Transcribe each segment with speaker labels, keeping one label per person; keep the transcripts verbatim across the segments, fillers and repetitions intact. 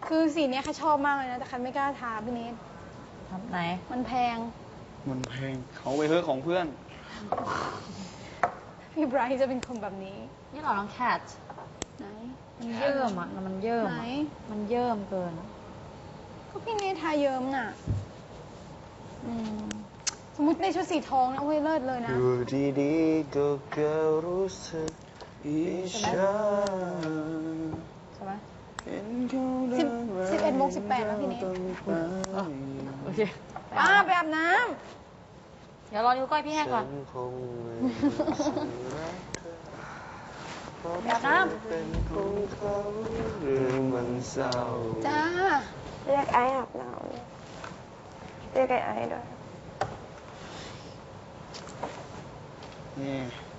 Speaker 1: คือสีนี้ค่ะชอบมากเลยนะแต่คันไม่กล้าทาพี่เนท
Speaker 2: ทำไหน
Speaker 1: มันแพง
Speaker 3: มันแพงเขาไปเฮ้อของเพื่อน
Speaker 1: พี่ไบรท์จะเป็นคนแบบนี้
Speaker 2: นี่หรอน้องแคท
Speaker 1: ไหน
Speaker 2: มันเยิ่มอ่ะมันเยิ่ม
Speaker 1: ไหน
Speaker 2: มันเยิ่มเกิน
Speaker 1: ก็พี่เนททาเยิ้มน่ะอืมสมมติในชุดสีทองนะโอ้ยเลิศเลยนะ
Speaker 3: อยู่ดีๆก็เกิดรู้สึกอิจฉา
Speaker 1: ใช่ไหม
Speaker 3: สิบ
Speaker 1: สิบเอ็ดโมงสิบแปดแล้วพี่เนท
Speaker 2: โอเค
Speaker 1: ป้าไปอาบน้ำ
Speaker 2: เดี๋ยวรอนิ้วก้อยพี่ให้ก่อนแบบน้ำ
Speaker 1: จ้า
Speaker 4: เรียกไอ้อาบน้ำเรียกไอ้ไอ้ด้วย
Speaker 3: นี่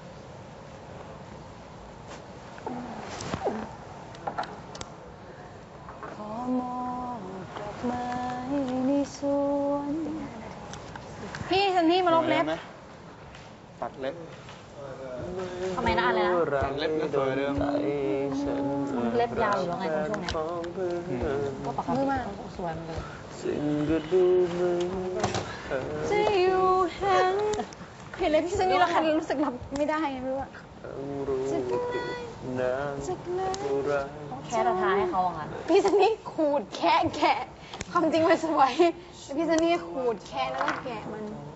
Speaker 1: ขอมองดอกไม้ในสวนพี่ซันนี่มาลบเล็บ
Speaker 3: ตัดเล็บ
Speaker 2: ทำไมนะอะไรนะ
Speaker 3: ตัดเล็บก็สวยเดิม
Speaker 2: เล็บยาวอยู่แล้วไงตรงช่วงเนี้ยก็ปกติสวยมันเลย
Speaker 3: สิ่งก็ดูเหมือน
Speaker 1: จะอยู่แห่งเห็นเลยพี่ซันนี่แล้วคันรู้สึกรับไม่ได้ไงไม่รู้อะ
Speaker 3: จะนานจะรัก
Speaker 2: ต้องแค่ราทาให้เขาอ่ะงั้น
Speaker 1: พี่ซันนี่ขูดแคะแกะความจริงมันสวยแต่พี่ซันนี่ขูดแคะแล้วก็แกะมัน
Speaker 3: เ